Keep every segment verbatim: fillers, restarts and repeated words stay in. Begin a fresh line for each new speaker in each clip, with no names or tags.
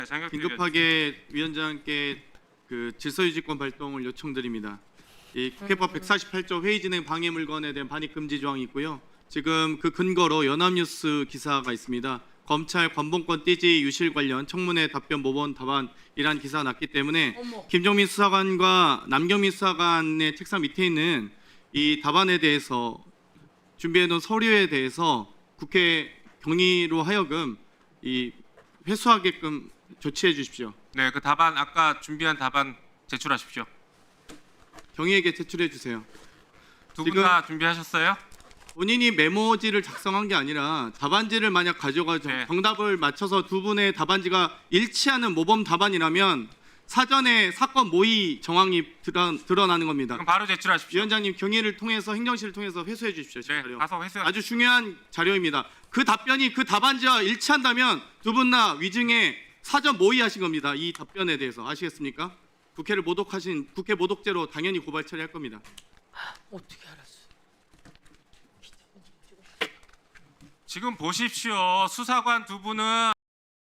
장혁
긴급하게 위원장께 그 질서유지권 발동을 요청드립니다. 이 국회법 백사십팔 조 회의 진행 방해 물건에 대한 반입 금지 조항이 있고요. 지금 그 근거로 연합뉴스 기사가 있습니다. 검찰 관봉권 띠지 유실 관련 청문회 답변 모범 답안이란 기사가 났기 때문에
어머.
김종민 수사관과 남경민 수사관의 책상 밑에 있는 이 답안에 대해서 준비해놓은 서류에 대해서 국회 경위로 하여금 이 회수하게끔 조치해 주십시오.
네, 그 답안 아까 준비한 답안 제출하십시오.
경위에게 제출해 주세요.
두 분
지금-
다 준비하셨어요?
본인이 메모지를 작성한 게 아니라 답안지를 만약 가져가서
네.
정답을 맞춰서 두 분의 답안지가 일치하는 모범 답안이라면 사전에 사건 모의 정황이 드러, 드러나는 겁니다.
그럼 바로 제출하십시오.
위원장님 경위를 통해서 행정실을 통해서 회수해 주십시오. 제
네,
자료.
가서 회수.
아주 중요한 자료입니다. 그 답변이 그 답안지와 일치한다면 두 분 다 위증에 사전 모의하신 겁니다. 이 답변에 대해서 아시겠습니까? 국회를 모독하신 국회 모독죄로 당연히 고발 처리할 겁니다.
어떻게 알았어?
지금 보십시오. 수사관 두 분은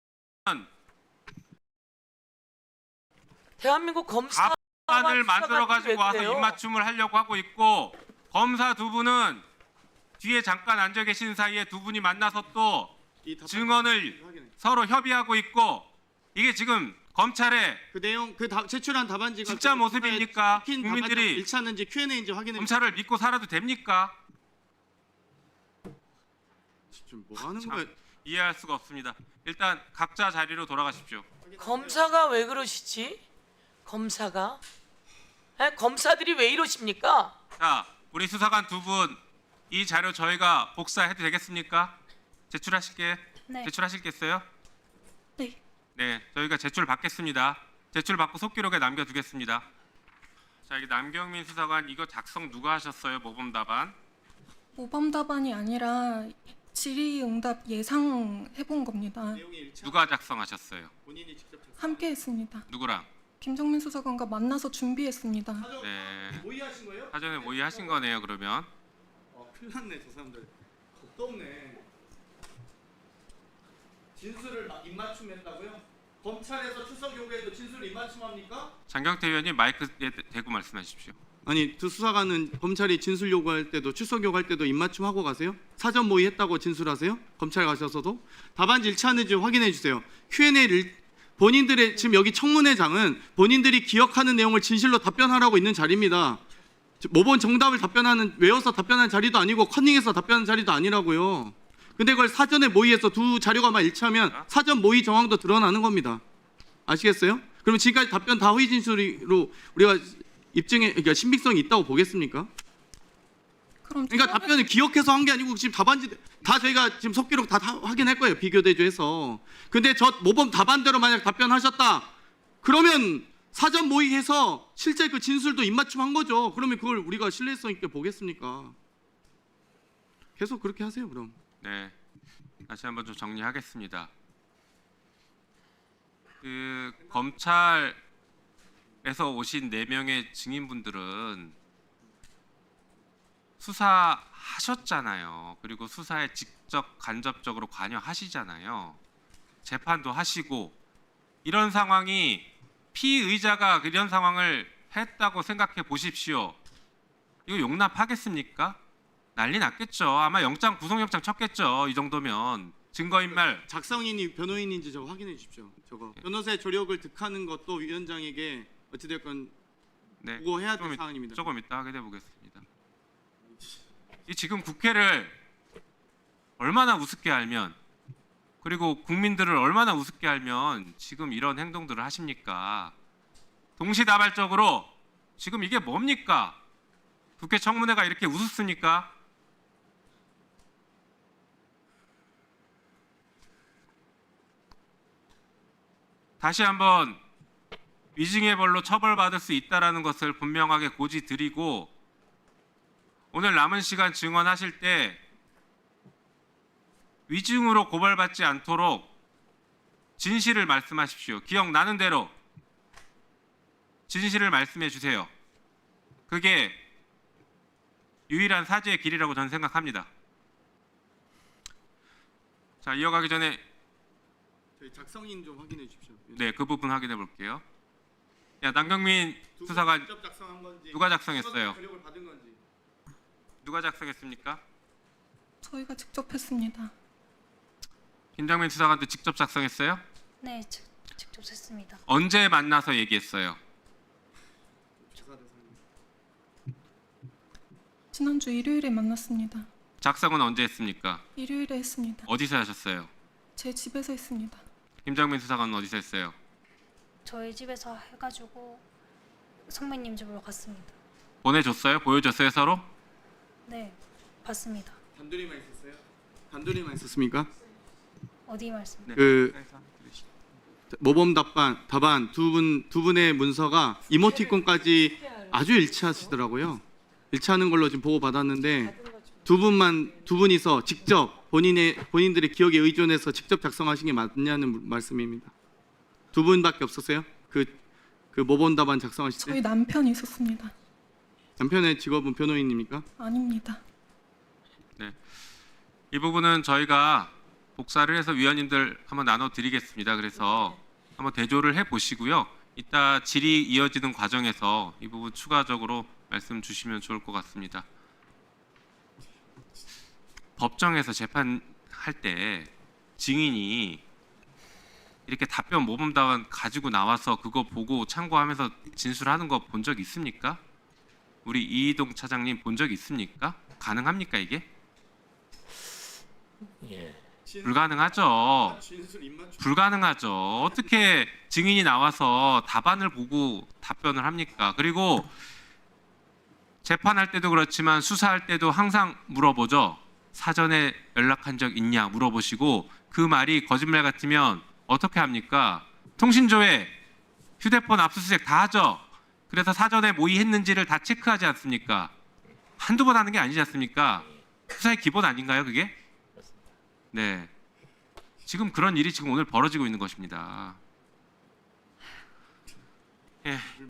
대한민국 검사
답안을 만들어 가지고 와서 입맞춤을 하려고 하고 있고, 검사 두 분은 뒤에 잠깐 앉아 계신 사이에 두 분이 만나서 또
이 답안-
증언을
확인해.
서로 협의하고 있고, 이게 지금 검찰의
그 내용 그 다, 제출한 답안지가
진짜
그
모습입니까?
찍힌
국민들이-
답안지와 일치하는지 큐 앤 에이인지 확인해.
검찰을 믿고 살아도 됩니까?
지금 뭐 하는
참.
거야?
이해할 수가 없습니다. 일단 각자 자리로 돌아가십시오.
검사가 왜 그러시지? 검사가? 에? 검사들이 왜 이러십니까?
자, 우리 수사관 두 분 이 자료 저희가 복사해도 되겠습니까? 제출하실게.
네.
제출하실겠어요?
네.
네, 저희가 제출 받겠습니다. 제출 받고 속기록에 남겨두겠습니다. 자, 여기 남경민 수사관 이거 작성 누가 하셨어요? 모범 답안?
모범 답안이 아니라 질의응답 예상해본 겁니다.
내용이 일치.
누가 작성하셨어요?
본인이 직접 작성.
함께 했습니다.
누구랑?
김정민 수사관과 만나서 준비했습니다.
사전
네,
모의하신 거예요?
사전에 모의하신 거네요. 그러면
어, 큰일 났네 저 사람들. 겁도 없네. 진술을 막 입맞춤했다고요? 검찰에서 출석 요구에도 진술을 입맞춤합니까?
장경태 의원님 마이크에 대고 말씀하십시오.
아니 두 수사관은 검찰이 진술 요구할 때도 출석 요구할 때도 입맞춤하고 가세요? 사전 모의했다고 진술하세요? 검찰 가셔서도 답안지 일치하는지 확인해 주세요. 큐 앤 에이를 본인들의 지금 여기 청문회장은 본인들이 기억하는 내용을 진실로 답변하라고 있는 자리입니다. 모범 정답을 답변하는 외워서 답변하는 자리도 아니고 커닝해서 답변하는 자리도 아니라고요. 근데 그걸 사전에 모의해서 두 자료가만 일치하면 사전 모의 정황도 드러나는 겁니다. 아시겠어요? 그러면 지금까지 답변 다 허위 진술로 우리가 입증에 그러니까 신빙성이 있다고 보겠습니까?
그럼
그러니까
처음에
답변을 기억해서 한 게 아니고 지금 답안지 다 저희가 지금 속기록 다, 다 확인할 거예요. 비교 대조해서. 근데 저 모범 답안대로 만약 답변하셨다. 그러면 사전 모의해서 실제 그 진술도 입맞춤한 거죠. 그러면 그걸 우리가 신뢰성 있게 보겠습니까? 계속 그렇게 하세요. 그럼.
네, 다시 한번 좀 정리하겠습니다. 그 검찰에서 오신 네 명의 증인분들은 수사하셨잖아요. 그리고 수사에 직접 간접적으로 관여하시잖아요. 재판도 하시고 이런 상황이 피의자가 이런 상황을 했다고 생각해 보십시오. 이거 용납하겠습니까? 난리 났겠죠. 아마 영장 구속영장 쳤겠죠. 이 정도면 증거인멸.
작성인이 변호인인지 저거 확인해 주십시오. 저거
예.
변호사의 조력을 득하는 것도 위원장에게 어찌됐건
네,
보고해야 될
조금,
사항입니다.
조금 이따 하게 돼 보겠습니다. 이 지금 국회를 얼마나 우습게 알면, 그리고 국민들을 얼마나 우습게 알면 지금 이런 행동들을 하십니까? 동시다발적으로 지금 이게 뭡니까? 국회 청문회가 이렇게 우습습니까? 다시 한번 위증의 벌로 처벌받을 수 있다라는 것을 분명하게 고지드리고, 오늘 남은 시간 증언하실 때 위증으로 고발받지 않도록 진실을 말씀하십시오. 기억나는 대로 진실을 말씀해 주세요. 그게 유일한 사죄의 길이라고 저는 생각합니다. 자, 이어가기 전에
저희 작성인 좀 확인해 주십시오.
네, 그 부분 확인해 볼게요. 야, 남경민
두 분
수사관
직접 작성한 건지
누가 작성했어요?
수사관 권력을 받은 건지.
누가 작성했습니까?
저희가 직접 했습니다.
김정민 수사관도 직접 작성했어요?
네, 직, 직접 했습니다.
언제 만나서 얘기했어요?
수사 대상님.
지난주 일요일에 만났습니다.
작성은 언제 했습니까?
일요일에 했습니다.
어디서 하셨어요?
제 집에서 했습니다.
김정민 수사관은 어디서 했어요?
저희 집에서 해가지고 선배님 집으로 갔습니다.
보내줬어요? 보여줬어요 서로?
네, 봤습니다.
단둘이만 있었어요? 단둘이만 있었습니까?
어디 말씀?
네.
그 모범 답반 답안 두 분 두 분의 문서가 이모티콘까지 아주 일치하시더라고요. 일치하는 걸로 지금 보고 받았는데 두 분만 두 분이서 직접 본인의 본인들의 기억에 의존해서 직접 작성하신 게 맞냐는 말씀입니다. 두 분밖에 없었어요? 그 그 모범 답안 작성하실
저희
때
남편이 있었습니다.
남편의 직업은 변호인입니까?
아닙니다.
이 부분은 저희가 복사를 해서 위원님들 한번 나눠드리겠습니다. 그래서 한번 대조를 해보시고요. 이따 질의 이어지는 과정에서 이 부분 추가적으로 말씀 주시면 좋을 것 같습니다. 법정에서 재판할 때 증인이 이렇게 답변 모범답안 가지고 나와서 그거 보고 참고하면서 진술하는 거 본 적 있습니까? 우리 이희동 차장님 본 적 있습니까? 가능합니까 이게?
예.
불가능하죠.
진술 입맞춤.
불가능하죠. 어떻게 증인이 나와서 답안을 보고 답변을 합니까? 그리고 재판할 때도 그렇지만 수사할 때도 항상 물어보죠. 사전에 연락한 적 있냐 물어보시고 그 말이 거짓말 같으면 어떻게 합니까? 통신조회, 휴대폰 압수수색 다 하죠. 그래서 사전에 모의했는지를 다 체크하지 않습니까? 한두 번 하는 게 아니지 않습니까? 수사의 기본 아닌가요, 그게? 네. 지금 그런 일이 지금 오늘 벌어지고 있는 것입니다. 예.